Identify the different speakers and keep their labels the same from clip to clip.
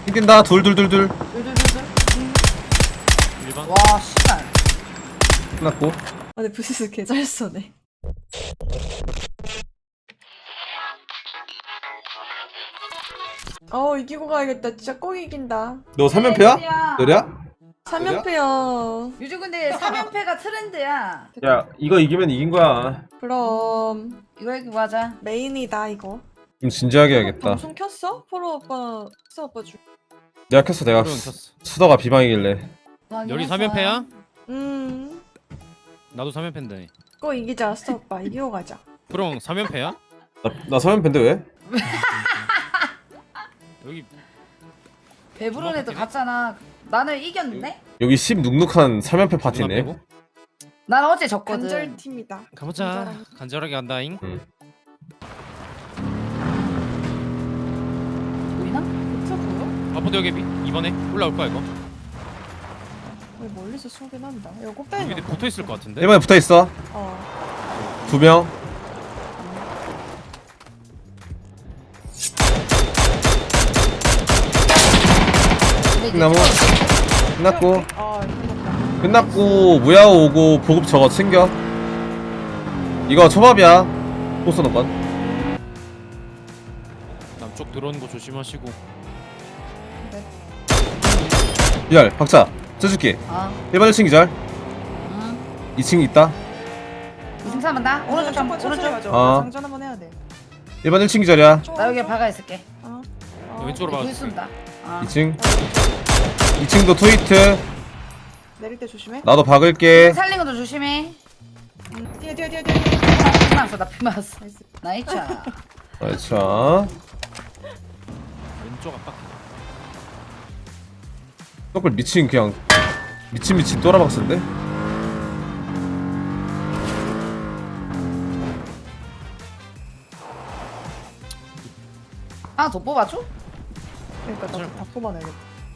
Speaker 1: 뛴다. 둘둘둘둘.
Speaker 2: 둘둘둘둘.
Speaker 3: 1번.
Speaker 2: 와 씨발.
Speaker 1: 끝났고.
Speaker 4: 아 근데 부시스 개잘 써네. 이기고 가야겠다. 진짜 꼭 이긴다.
Speaker 1: 너 3연패야? 너랴?
Speaker 4: 3연패야.
Speaker 2: 요즘 근데 3연패가 트렌드야.
Speaker 1: 야 이거 이기면 이긴 거야.
Speaker 4: 그럼
Speaker 2: 이거 이기고 하자.
Speaker 4: 메인이다 이거.
Speaker 1: 좀 진지하게 해야겠다.
Speaker 4: 방송 켰어? 포로 오빠, 수아 오빠 줄.
Speaker 1: 내가 켰어. 내가
Speaker 3: 그럼 켰어.
Speaker 1: 수다가 비방이길래.
Speaker 3: 열이 3연패야? 나도 3연패인데.
Speaker 4: 꼭 이기자 수아 오빠. 이기고 가자.
Speaker 3: 그럼 3연패야?
Speaker 1: 나 3연패인데 왜?
Speaker 3: 여기
Speaker 2: 배부른 애도 갔잖아. 나는 이겼는데?
Speaker 1: 여기 10 눅눅한 3연패
Speaker 3: 누나
Speaker 1: 파티네.
Speaker 3: 빼고?
Speaker 2: 난 어제 졌거든.
Speaker 4: 간절팀이다.
Speaker 3: 가보자. 간절하게 간다잉.
Speaker 2: 보이나?
Speaker 4: 그쵸 보여?
Speaker 3: 아포드 여기 이번에 올라올 거야 이거.
Speaker 4: 왜 멀리서 쏘긴 한다. 이거
Speaker 3: 여기
Speaker 4: 꼭대기.
Speaker 3: 밑에 붙어 있을 것 같은데.
Speaker 1: 1번에 붙어있어. 2명.
Speaker 2: 근데 이제
Speaker 1: 나무.
Speaker 2: 찍어줄게.
Speaker 1: 끝났고.
Speaker 4: 끝났다.
Speaker 1: 끝났고 무야호 오고 보급 저거 챙겨. 이거 초밥이야. 포스는 건.
Speaker 3: 남쪽 들어오는 거 조심하시고.
Speaker 1: 기절 박자 쳐줄게.
Speaker 2: 어.
Speaker 1: 1번 1층 기절.
Speaker 2: 응.
Speaker 1: 2층 있다.
Speaker 2: 2승 3한다. 오른쪽 좀 오른쪽.
Speaker 4: 장전 한번 해야 돼.
Speaker 1: 1번 1층 기절이야.
Speaker 2: 나 여기 박아 있을게.
Speaker 3: 왼쪽으로
Speaker 2: 불
Speaker 3: 박아줄게.
Speaker 2: 쏜다. 어.
Speaker 1: 2층. 2층도 트위트.
Speaker 4: 내릴 때 조심해.
Speaker 1: 나도 박을게.
Speaker 2: 살린 것도 조심해.
Speaker 4: 뛰어.
Speaker 2: 피마스 나 피마스. 나이스.
Speaker 1: 자,
Speaker 3: 왼쪽 압박.
Speaker 1: 떡을 미친 그냥 미친 또라박스인데?
Speaker 2: 하나 더 뽑아줘?
Speaker 4: 그러니까 나도 다 뽑아내야겠다.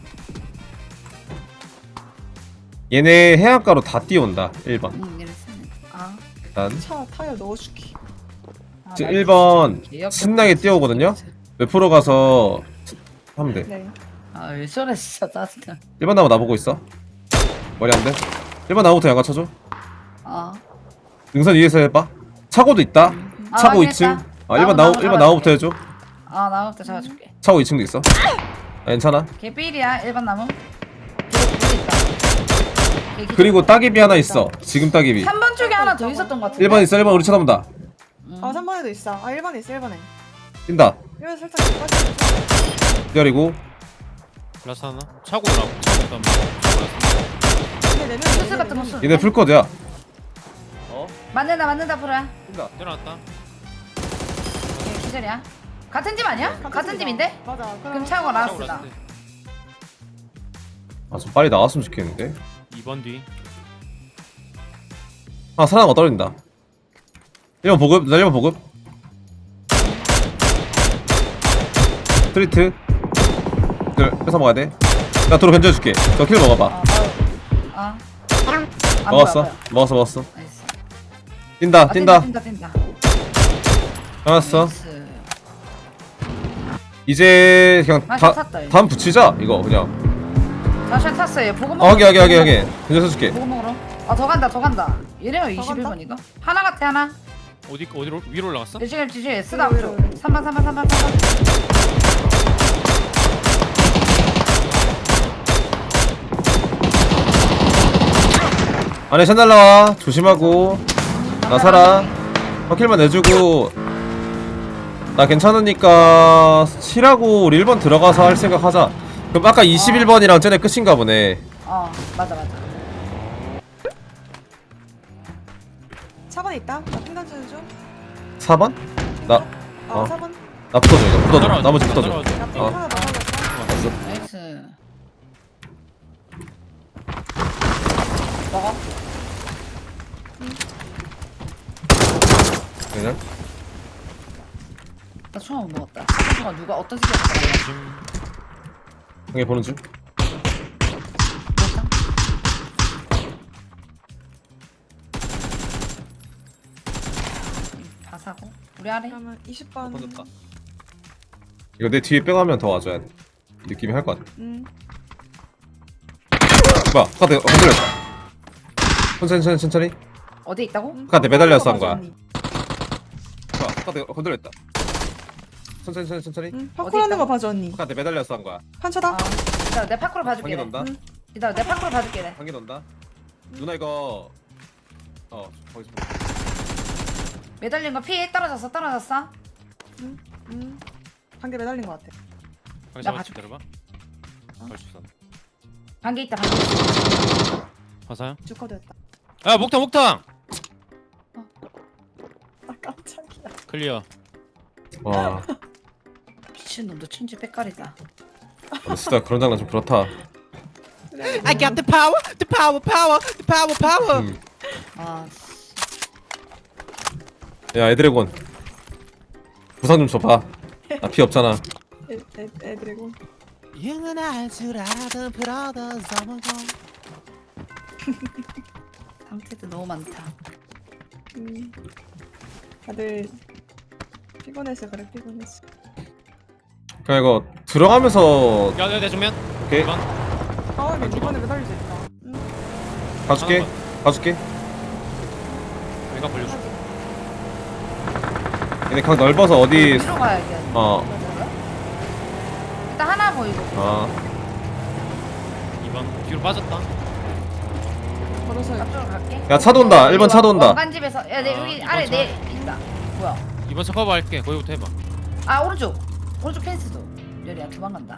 Speaker 1: 얘네 해안가로 다 뛰어온다. 1번.
Speaker 2: 응 이랬어. 아.
Speaker 1: 일단
Speaker 4: 차 타이어 넣어줄게.
Speaker 1: 지금 1번 신나게 뛰어오거든요. 웹프로 가서 하면 돼.
Speaker 4: 네.
Speaker 2: 아왜 저래 진짜 짜증나.
Speaker 1: 1번 나무 나보고 있어. 머리 안 돼. 1번 나무부터 양가 쳐줘.
Speaker 2: 어.
Speaker 1: 능선 위에서 해봐. 차고도 있다.
Speaker 2: 아,
Speaker 1: 차고
Speaker 2: 확인했다.
Speaker 1: 2층. 아 1번 나무 1번 나무부터 해줘.
Speaker 2: 아 나무부터 잡아줄게.
Speaker 1: 차고 2층도 있어. 아, 괜찮아.
Speaker 2: 개삘이야 1번 나무. 개삘 있다. 걔 기절.
Speaker 1: 그리고 따개비 하나 있어. 지금 따개비.
Speaker 2: 3번 쪽에 하나 더 있었던 것 같은데.
Speaker 1: 1번 있어. 1번 우리 쳐다본다.
Speaker 4: 아 3번에도 있어. 아 1번에 있어 1번에.
Speaker 1: 뛴다.
Speaker 4: 1번 살짝 빠져.
Speaker 1: 기다리고.
Speaker 3: 라스 하나. 차고 올라오고. 차고 있다.
Speaker 4: 근데 내면
Speaker 2: 수스 같은 거 쓰.
Speaker 1: 얘네 풀코드야.
Speaker 2: 맞는다 프로야.
Speaker 1: 뛴다.
Speaker 3: 내려놨다.
Speaker 2: 얘 기절이야. 같은 팀 아니야? 같은 팀인데?
Speaker 4: 맞아.
Speaker 2: 그럼 차고
Speaker 3: 차고
Speaker 2: 라스다.
Speaker 3: 라스트.
Speaker 1: 아 좀 빨리 나왔으면 좋겠는데.
Speaker 3: 2번 뒤.
Speaker 1: 아 사나가 떨어진다. 1번 보급. 나 1번 보급. 스트리트. 뺏어 먹어야 돼. 나 도로 견제해줄게. 너 킬 먹어봐.
Speaker 2: 아.
Speaker 1: 먹었어. 먹었어.
Speaker 2: 나이스.
Speaker 1: 뛴다.
Speaker 2: 아,
Speaker 1: 뛴다.
Speaker 2: 뛴다.
Speaker 1: 알았어.
Speaker 2: 나이스.
Speaker 1: 이제 그냥
Speaker 2: 아, 샷 샀다, 이거.
Speaker 1: 다음 붙이자. 이거 그냥.
Speaker 2: 다시 탔어 얘 보고
Speaker 1: 어,
Speaker 2: 먹어.
Speaker 1: 하게. 견제해줄게.
Speaker 2: 보고 먹으러. 아 더 간다. 얘네가 21번이가? 하나 같아 하나.
Speaker 3: 어디로 위로 올라갔어?
Speaker 2: 지금 S다
Speaker 4: 위로,
Speaker 2: 앞쪽.
Speaker 4: 위로.
Speaker 2: 3번.
Speaker 1: 안에 샷 날라와. 조심하고. 나 살아. 확킬만 내주고. 나 괜찮으니까 칠하고 우리 1번 들어가서 할 생각 하자. 그럼 아까 21번이랑 쟤네 끝인가 보네.
Speaker 2: 어 맞아.
Speaker 4: 4번에 있다. 나 핀단 쳐줘
Speaker 1: 4번? 나,
Speaker 4: 아
Speaker 1: 어.
Speaker 4: 4번.
Speaker 1: 나 붙어줘, 이거. 붙어줘.
Speaker 3: 따라와줘,
Speaker 1: 나머지 붙어줘.
Speaker 3: 따라와줘.
Speaker 4: 나핀
Speaker 1: 어.
Speaker 4: 하나 더 살렸어.
Speaker 2: 나이스. 먹어.
Speaker 1: 그냥?
Speaker 2: 나 총알 못 먹었다. 총알 누가 어떤 새끼가
Speaker 3: 조심.
Speaker 1: 형이 보는 중.
Speaker 2: 먹었다? 다 사고. 우리 아래.
Speaker 4: 그러면 20번.
Speaker 1: 이거 내 뒤에 빼가면 더 와줘야 돼. 느낌이 할 것 같아. 뭐야 바깥에 건드렸다. 천천히
Speaker 2: 어디 있다고?
Speaker 1: 바깥에 매달려서 한 거야.
Speaker 4: 언니.
Speaker 1: 뭐야 바깥에 건드렸다. 천천히
Speaker 4: 파쿠라는 거 봐줘 언니.
Speaker 1: 바깥에 매달려서 한 거야.
Speaker 4: 판쳐다.
Speaker 2: 아, 이따 내 파크로 봐줄게.
Speaker 1: 방귀 돈다.
Speaker 2: 이따 내 파크로 봐줄게. 내.
Speaker 1: 방귀 돈다. 누나 이거 거기서
Speaker 2: 매달린 거 피 떨어졌어.
Speaker 4: 한개 매달린 거 같아.
Speaker 3: 방금
Speaker 2: 나
Speaker 3: 잡았지
Speaker 2: 봐줄게.
Speaker 3: 기다려봐. 벌써 쐈네.
Speaker 2: 반개 있다.
Speaker 3: 화사야?
Speaker 4: 주커드였다.
Speaker 3: 야 목탕
Speaker 4: 아 깜짝이야.
Speaker 3: 클리어.
Speaker 1: 와
Speaker 2: 미친놈도 천지 빽깔이다.
Speaker 1: 진짜 그런 장난 좀 그렇다.
Speaker 3: I got the power, the power, the power.
Speaker 2: 아,
Speaker 1: 야 애드래곤 부상 좀 줘봐. 나 피 없잖아.
Speaker 4: 애드래곤.
Speaker 3: 영원할 줄 알았던 브라더 서머건.
Speaker 2: 상태도 너무 많다.
Speaker 4: 다들 피곤해서 그래 피곤했어.
Speaker 1: 그냥 이거 들어가면서
Speaker 3: 야, 내 정면.
Speaker 1: 오케이
Speaker 3: 이번.
Speaker 4: 아 이번에 매달릴 수 있다.
Speaker 1: 가줄게.
Speaker 3: 내가 벌려줘.
Speaker 1: 얘네 각 넓어서 어디
Speaker 2: 위로 가야겠. 일단 하나 보이고.
Speaker 3: 이번 뒤로 빠졌다.
Speaker 4: 걸어서
Speaker 2: 앞쪽으로 갈게.
Speaker 1: 야 차도 온다. 1번 차도 온다.
Speaker 2: 왕관집에서 야, 내 여기
Speaker 3: 이번
Speaker 2: 아래
Speaker 3: 차.
Speaker 2: 내 있다. 뭐야?
Speaker 3: 이번 차 커버할게. 거기부터 해봐.
Speaker 2: 아 오른쪽 펜스도. 열이야 도망간다.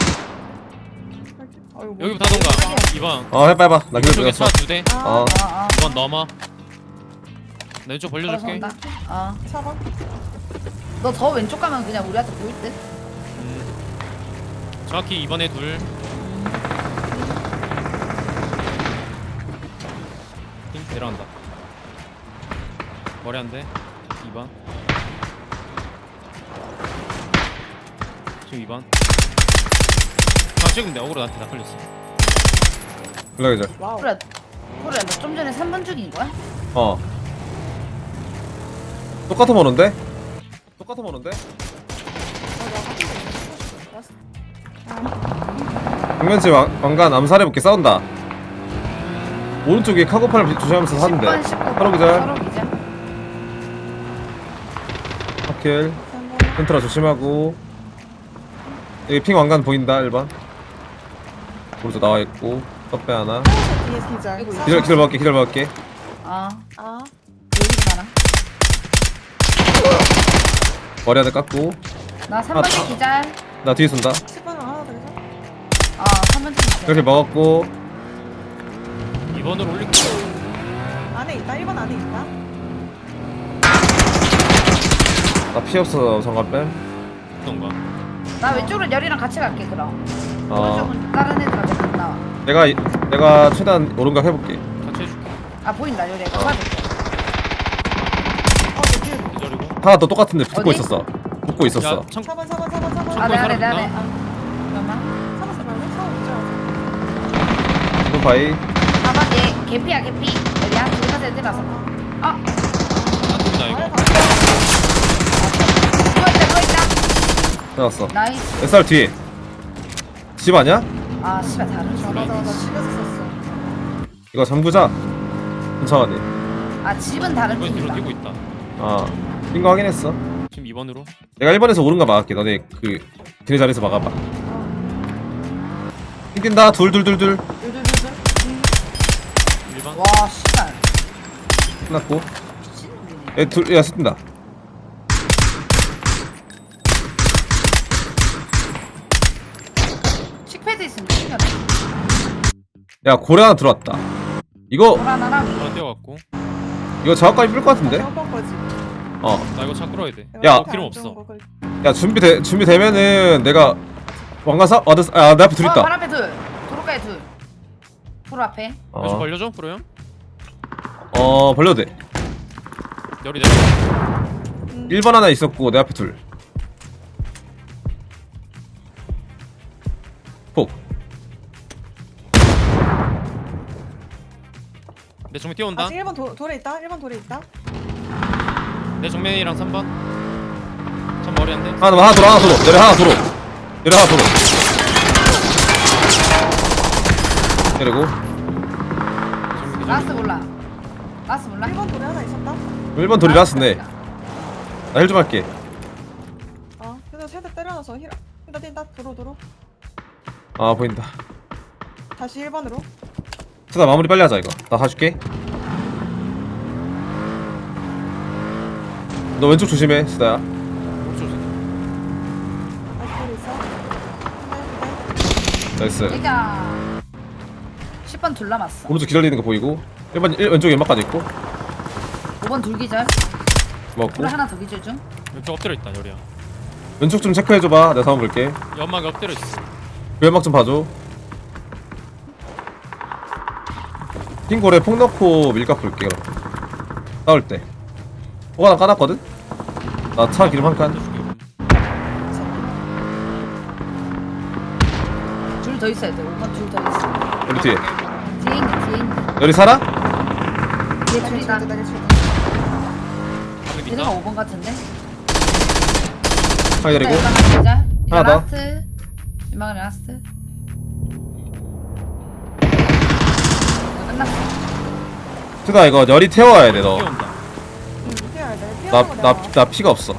Speaker 4: 아이고 뭐.
Speaker 3: 여기부터 하던가. 이번.
Speaker 1: 해봐 나 기다려
Speaker 3: 이쪽에
Speaker 1: 줬어.
Speaker 3: 차 2대.
Speaker 1: 어.
Speaker 3: 이번 넘어. 나 왼쪽 벌려줄게.
Speaker 2: 걸어서 온다.
Speaker 4: 사방.
Speaker 2: 너 더 왼쪽 가면 그냥 우리한테 보일 듯.
Speaker 3: 정확히 이번에 둘. 힘 내려간다. 머리 한 대. 2번. 지금 2번. 지금 내 어그로 나한테 다 걸렸어.
Speaker 1: 연락이자.
Speaker 4: 와우.
Speaker 2: 그래 너 좀 전에 3번 중인 거야?
Speaker 1: 똑같은 번호인데? 정면집 왕관 암살해볼게. 싸운다. 오른쪽에 카고팔을 조심하면서 사는데
Speaker 2: 10번 19번.
Speaker 1: 바로 기절.
Speaker 2: 서로 기절.
Speaker 1: 하킬 센트라 조심하고. 여기 핑 왕관 보인다. 1번 오른쪽 나와있고 떡배 하나.
Speaker 4: 뒤에 기절.
Speaker 2: 이거
Speaker 1: 기다려볼게.
Speaker 2: 아
Speaker 4: 아
Speaker 2: 여기도 많아.
Speaker 1: 머리 하나 깎고.
Speaker 2: 나 3번 중 기절.
Speaker 1: 나 뒤에 쏜다.
Speaker 4: 10번 하나 더 기절.
Speaker 2: 아 3번 중 기절.
Speaker 1: 이렇게 먹었고.
Speaker 3: 2번으로 올릴게.
Speaker 4: 안에 있다. 1번 안에 있다.
Speaker 1: 나 피 없어. 정관 뺨.
Speaker 3: 어떤가?
Speaker 2: 나 왼쪽으로 열이랑 같이 갈게 그럼. 오른쪽은 다른 애들한테 못 나와.
Speaker 1: 내가 최대한 오른각 해볼게.
Speaker 3: 같이 해줄게.
Speaker 2: 아 보인다 열이. 봐줄게.
Speaker 4: 뒤에
Speaker 3: 기다리고.
Speaker 1: 하나 더 똑같은데 붙고
Speaker 2: 어디?
Speaker 1: 있었어. 붙고 있었어.
Speaker 3: 야, 참.
Speaker 4: 4번.
Speaker 2: 아 내 안에
Speaker 3: 사람
Speaker 2: 아 잠깐만.
Speaker 4: 4번 기절.
Speaker 1: 이거 바이.
Speaker 2: 4번 얘 개피야 개피. 열이야 둘다 애들라서. 아
Speaker 3: 나 이거.
Speaker 2: 누워있다.
Speaker 1: 나왔어.
Speaker 2: 나이스.
Speaker 1: SR 뒤에. 집 아니야?
Speaker 2: 아 씨발 다른 줄
Speaker 4: 맞아
Speaker 2: 알았네.
Speaker 4: 나 집에서 썼어.
Speaker 1: 이거 잠그자. 천천히.
Speaker 2: 아 집은 다른
Speaker 3: 이번 뒤로
Speaker 2: 팀이다.
Speaker 3: 뛰고 있다.
Speaker 1: 뛴거 확인했어.
Speaker 3: 지금 2번으로.
Speaker 1: 내가 1번에서 오른각 막을게. 너네 걔네 자리에서 막아봐. 뛴다. 둘.
Speaker 4: 둘둘둘둘.
Speaker 3: 1번.
Speaker 2: 와 씨발.
Speaker 1: 끝났고.
Speaker 2: 미친놈이네.
Speaker 1: 야 뛴다.
Speaker 2: 식패드 있으면 신기하다.
Speaker 1: 야 고래 하나 들어왔다. 이거
Speaker 2: 보라나랑
Speaker 3: 하나 뛰어갔고.
Speaker 1: 이거 작업까지 뿔 것 같은데?
Speaker 4: 번 거지.
Speaker 3: 나 이거 차 끌어야 돼.
Speaker 1: 야.
Speaker 3: 필요 없어.
Speaker 1: 야 준비되면은 내가 왕관 내 앞에 둘
Speaker 2: 발
Speaker 1: 있다.
Speaker 2: 앞에 둘. 도로가에 둘. 도로 앞에.
Speaker 3: 왼쪽 벌려줘, 프로 형.
Speaker 1: 벌려도 돼.
Speaker 3: 열이 내려.
Speaker 1: 1번 하나 있었고 내 앞에 둘. 폭.
Speaker 3: 내 정면 뛰어온다.
Speaker 4: 아직 1번 돌에 있다. 1번 돌에 있다.
Speaker 3: 내 정면이랑 3번. 참 머리 안 돼.
Speaker 1: 하나 도로. 내려 하나 도로. 그리고
Speaker 2: 라스트 몰라. 라스트 몰라.
Speaker 4: 1번 돌에 하나 있었다.
Speaker 1: 1번 돌이 라스네. 나 힐 좀 할게.
Speaker 4: 그래서 세대 때려놔서 힐. 뛴다. 도로.
Speaker 1: 아 보인다.
Speaker 4: 다시 1번으로.
Speaker 1: 수다 마무리 빨리 하자 이거. 나 사줄게. 너 왼쪽 조심해 수다야.
Speaker 4: 다시 돌에 있어. 하나
Speaker 1: 나이스.
Speaker 2: 얘가 10번 둘 남았어.
Speaker 1: 오른쪽 기다리는 거 보이고 1번 왼쪽 연막까지 있고
Speaker 2: 5번 둘 기절.
Speaker 1: 먹고
Speaker 2: 둘 하나 더 기절 중.
Speaker 3: 왼쪽 엎드려 있다 요리야.
Speaker 1: 왼쪽 좀 체크해줘봐. 내가 상황 볼게.
Speaker 3: 연막에 엎드려 있어.
Speaker 1: 그 연막 좀 봐줘. 핑골에 폭 넣고 밀각 볼게 그럼. 싸울 때 뭐가 나 까놨거든? 나 차 기름 한 칸.
Speaker 2: 둘 더 있어야 돼. 5번 둘 더 있어.
Speaker 1: 우리 뒤에
Speaker 2: 뒤에 있네.
Speaker 1: 여리 살아?
Speaker 2: 뒤에 둘이다.
Speaker 4: 날 칠때.
Speaker 2: 얘네가 5번 같은데?
Speaker 1: 하나 기다리고
Speaker 2: 일단 하나 기절. 이거
Speaker 1: 하나 더.
Speaker 2: 라스트. 유망은 라스트. 끝났어.
Speaker 1: 수다 이거 열이 태워야 돼 너.
Speaker 3: 뛰어온다.
Speaker 4: 뛰어야 돼. 뛰어서
Speaker 1: 나 피가 없어.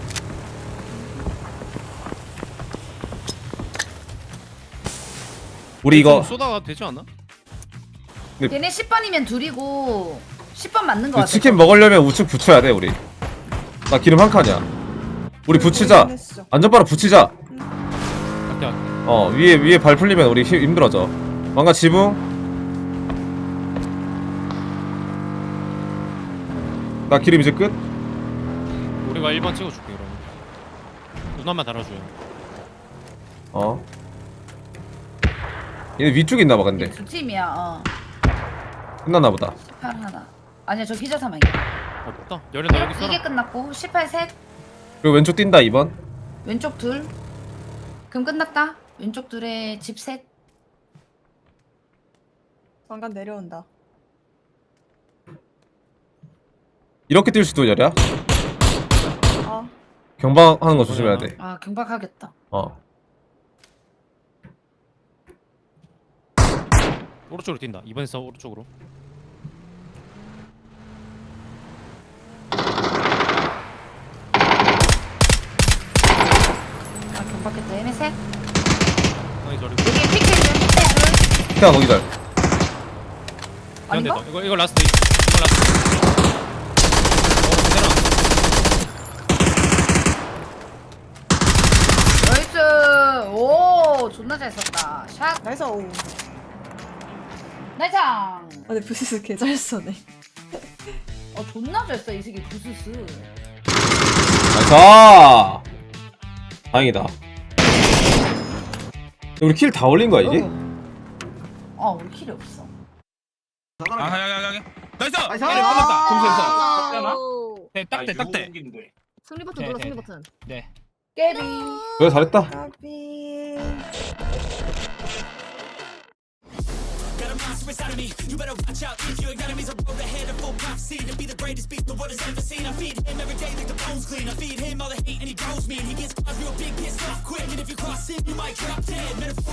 Speaker 1: 우리 이거
Speaker 3: 쏘다가 되지 않아?
Speaker 2: 얘네 10번이면 둘이고 10번 맞는 거
Speaker 1: 그
Speaker 2: 같아.
Speaker 1: 치킨 먹으려면 우측 붙여야 돼 우리. 나 기름 한 칸이야. 우리 붙이자. 안전바로 붙이자.
Speaker 3: 갈게.
Speaker 1: 위에 발 풀리면 우리 힘들어져. 망가 지붕. 나 기름 이제 끝.
Speaker 3: 우리가 1번 찍어줄게 그러면. 눈앞만 달아줘요.
Speaker 1: 얘네 위쪽에 있나봐 근데.
Speaker 2: 두 팀이야.
Speaker 1: 끝났나보다.
Speaker 2: 18 하나. 아니야 저 기절 사망이야.
Speaker 3: 없다. 열이 너 여기
Speaker 2: 이게
Speaker 3: 써라.
Speaker 2: 끝났고 18 셋.
Speaker 1: 그리고 왼쪽 뛴다 2번.
Speaker 2: 왼쪽 둘. 그럼 끝났다. 왼쪽 둘에 집 셋.
Speaker 4: 왕관 내려온다.
Speaker 1: 이렇게 뛸 수도 열이야.
Speaker 4: 아,
Speaker 1: 경방하는 거 조심해야 돼.
Speaker 2: 아 경박하겠다.
Speaker 3: 오른쪽으로 뛴다. 2번에서 오른쪽으로.
Speaker 2: 아 경박했다. 얘네 셋.
Speaker 3: 형이 저리.
Speaker 2: 여기 픽셋 둘.
Speaker 1: 태아 너 기다려.
Speaker 3: 미안해,
Speaker 2: 아닌가?
Speaker 3: 너. 이거 라스트. 이거 라스트.
Speaker 2: 나이스. 오 존나 잘 썼다. 샷.
Speaker 4: 나이스. 오.
Speaker 2: 나이장.
Speaker 4: 근데 부시스 개잘 쏘네.
Speaker 2: 존나 잘 써 이 새끼 부스스.
Speaker 1: 나이스. 다행이다. 우리 킬 다 올린 거야 이게?
Speaker 2: 우리 킬이 없어.
Speaker 3: 야야야야. 나이스.
Speaker 5: 나이스!
Speaker 3: 얘네 끝났다. 점수에서.
Speaker 5: 아우.
Speaker 3: 네, 딱대 딱대.
Speaker 5: 승리 버튼
Speaker 3: 네,
Speaker 5: 눌러
Speaker 3: 네,
Speaker 5: 승리
Speaker 3: 네.
Speaker 5: 버튼.
Speaker 3: 네.
Speaker 2: 깨비.
Speaker 1: 그래 잘했다.
Speaker 4: 까비.
Speaker 6: Got a monster inside of me. You better watch out if your enemy's a road ahead of full prophecy to be the greatest beast the world has ever seen. I feed him every day like the bones clean. I feed him all the hate and he grows me. And he gets real big, pissed off quick. And if you cross him, you might drop dead. Metaphor